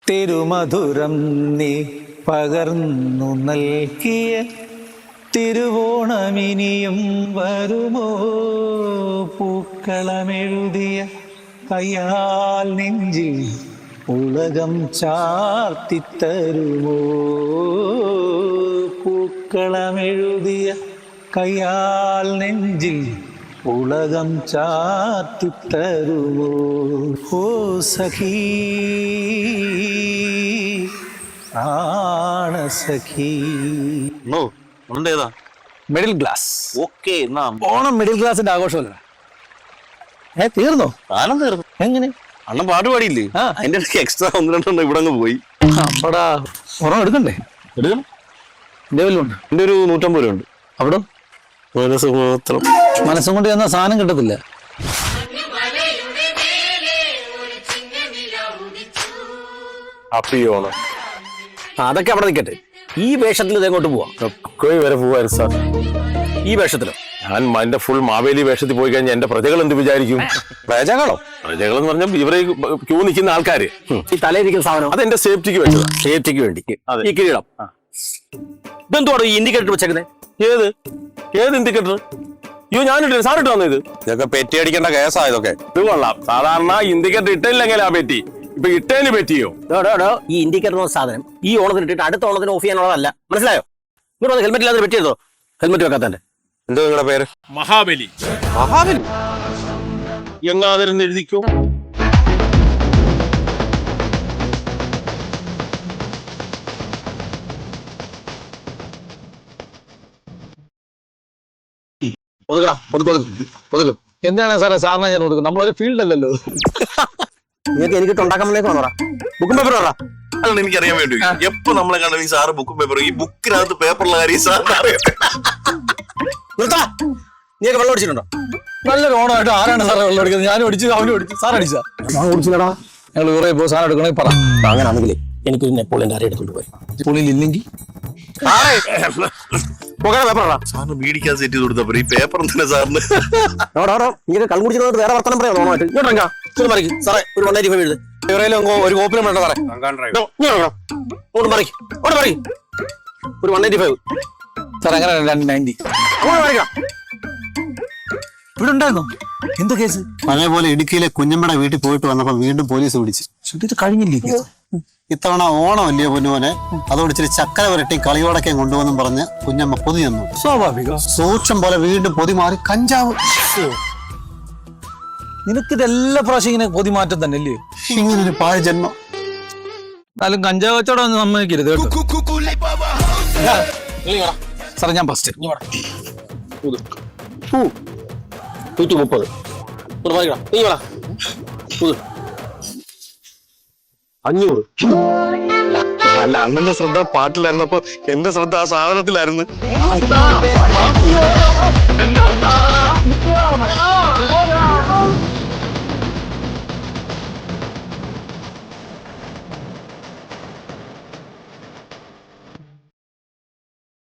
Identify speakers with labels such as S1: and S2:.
S1: തിരുമധുരം നീ പകർന്നു നൽകിയ തിരുവോണമിനിയും വരുമോ? പൂക്കളമെഴുതിയ കയ്യാൽ നെഞ്ചിൽ ഉലകം ചാർത്തിത്തരുമോ? പൂക്കളമെഴുതിയ കയ്യാൽ നെഞ്ചിൽ ഉലകം ചാർത്തിത്തരുമോ? ഓ സഖീ ആണസഖീ. Middle class. ഓണം മിഡിൽ ക്ലാസിന്റെ ആഘോഷമല്ല. തീർന്നോ?
S2: കാലം തീർന്നു.
S1: എങ്ങനെ?
S2: അണ്ണൻ പാട്ട് പാടിയില്ലേ? അതിന്റെ എക്സ്ട്രാ 1-2 ഇവിടെ അങ്ങ് പോയി.
S1: അപ്പടാ ഓണം എടുക്കണ്ടേ?
S2: എടുക്കണം.
S1: എന്റെ വല്ലുണ്ട്.
S2: എന്റെ ഒരു 150 രൂപ ഉണ്ട്.
S1: അവിടെ മനസ്സും കൊണ്ട് ചെന്ന സാധനം കിട്ടത്തില്ല.
S2: അപ്പിയോണം
S3: അതൊക്കെ അവിടെ നിൽക്കട്ടെ. ഈ വേഷത്തിൽ ഇതെങ്ങോട്ട് പോവാം?
S2: വരെ പോവായിരുന്നു സാർ.
S3: ഈ വേഷത്തിലോ?
S2: ഞാൻ എന്റെ ഫുൾ മാവേലി വേഷത്തിൽ പോയി കഴിഞ്ഞാൽ എന്റെ പ്രജകൾ എന്ത് വിചാരിക്കും?
S3: പ്രജകളോ?
S2: പ്രജകൾ എന്ന് പറഞ്ഞാൽ ഇവരെ ക്യൂ നിൽക്കുന്ന ആൾക്കാര്.
S3: ഈ തലയിരിക്കുന്ന സാധനം
S2: അത് എന്റെ സേഫ്റ്റിക്ക് വെച്ചതാ.
S3: സേഫ്റ്റിക്ക് വേണ്ടി ഈ കിരീടം. ഇതെന്തോടോ ഈ ഇൻഡിക്കേറ്റർ വെച്ചേക്കുന്നത്?
S2: ഏത് ഇൻഡിക്കേറ്റർ? അയ്യോ ഞാനിട്ട് സാറിട്ട് വന്നു. ഇതൊക്കെ പെറ്റി അടിക്കേണ്ട കേസാ. ഇതൊക്കെ ഇത് കൊള്ളാം. സാധാരണ ഇൻഡിക്കേറ്റർ ഇട്ടില്ലെങ്കിലാ പെറ്റി. ഇപ്പൊ ഇട്ടേന് പറ്റിയോ?
S3: ഈ ഇൻഡിക്കേറ്റർ സാധനം ഈ ഓണത്തിന് ഇട്ടിട്ട് അടുത്ത ഓണത്തിന് ഓഫ് ചെയ്യാനുള്ളതല്ല. മനസ്സിലായോ? ഇങ്ങോട്ട് ഹെൽമെറ്റ് ഇല്ലാതെ പറ്റിയതോ? ഹെൽമെറ്റ് വെക്കാത്തന്റെ.
S2: എന്തോ നിങ്ങളുടെ പേര്?
S4: മഹാബലി.
S2: മഹാബലി എങ്ങാതിരുന്ന് എഴുതിക്കോ.
S1: എന്താണ് സാറേ സാറിന് ഞാൻ കൊടുക്കും? നമ്മളൊരു ഫീൽഡ് അല്ലല്ലോ.
S3: നിങ്ങൾക്ക് എനിക്ക് ഉണ്ടാക്കാൻ ബുക്കും പേപ്പർ പറ.
S2: അതാണ് എനിക്കറിയാൻ വേണ്ടി. എപ്പോ നമ്മളെ കണ്ട ഈ സാറ് ബുക്കും പേപ്പറും ഈ ബുക്കിനകത്ത് പേപ്പറുള്ള കാര്യം സാറിന് അറിയാം.
S3: നീയൊക്കെ വെള്ളം അടിച്ചിട്ടുണ്ടോ?
S1: നല്ലൊരു ഓണമായിട്ട് ആരാണ് സാറേ വെള്ളം അടിക്കുന്നത്? ഞാനും അടിച്ചു, അവനും അടിച്ചു. സാർ അടിച്ചാ? ഞാൻ കുടിച്ചില്ലടാ. ഞങ്ങൾ കുറെ പോ സാധനം എടുക്കണമെങ്കിൽ പറ.
S3: അങ്ങനാണെങ്കിലേ എനിക്ക് നെപ്പോളിയൻ ആരെ എടുത്തോണ്ട് പോയി.
S1: പുള്ളിയിൽ ഇല്ലെങ്കിൽ
S2: സാറിന് വീടിക്കാൻ സെറ്റ് ചെയ്ത് കൊടുത്തപ്പോ ഈ പേപ്പർ എന്തിനാ സാറിന്?
S3: ഇങ്ങനെ കള്ളു കുടിച്ചിട്ട് വേറെ വർത്തനം പറയാം. ഓണമായിട്ട് ഇങ്ങോട്ട് മറിക്കും സാറേ. ഒരു 195 എഴുത്.
S1: ഒരു കോപ്പിലും വേണ്ട സാറേ.
S3: ഒരു 195
S1: സാർ. അങ്ങനെ 290 ഇവിടെ ഉണ്ടായിരുന്നോ? എന്ത് കേസ്?
S5: പഴയപോലെ ഇടുക്കിയിലെ കുഞ്ഞമ്മയുടെ വീട്ടിൽ പോയിട്ട് വന്നപ്പോ വീണ്ടും പോലീസ് പിടിച്ചു.
S1: ഇത് കഴിഞ്ഞില്ലേ കേസ്?
S5: ഇത്തവണ ഓണം അല്ലയോ പൊന്നുപോലെ, അതോട് ഇച്ചിരി ചക്കര വരട്ടി കളിയോടൊക്കെ കൊണ്ടുവന്നും പറഞ്ഞ് കുഞ്ഞമ്മ പൊതി തന്നു.
S1: സ്വാഭാവികം.
S5: സൂക്ഷം പോലെ വീണ്ടും പൊതി മാറി കഞ്ചാവ്.
S1: നിനക്കിതെല്ലാ പ്രാവശ്യം ഇങ്ങനെ പൊതി മാറ്റം തന്നെ അല്ലേ?
S5: ഇങ്ങനൊരു പാഴ് ജന്മം.
S1: എന്നാലും കഞ്ചാവ് കച്ചവടം ഒന്നും സമ്മതിക്കരുത്. സാറേ ഞാൻ ഫസ്റ്റ്
S3: 130. നീ 500.
S2: അല്ല, അണ്ണന്റെ ശ്രദ്ധ പാട്ടിലായിരുന്നപ്പോ എന്റെ ശ്രദ്ധ ആ സാധനത്തിലായിരുന്നു.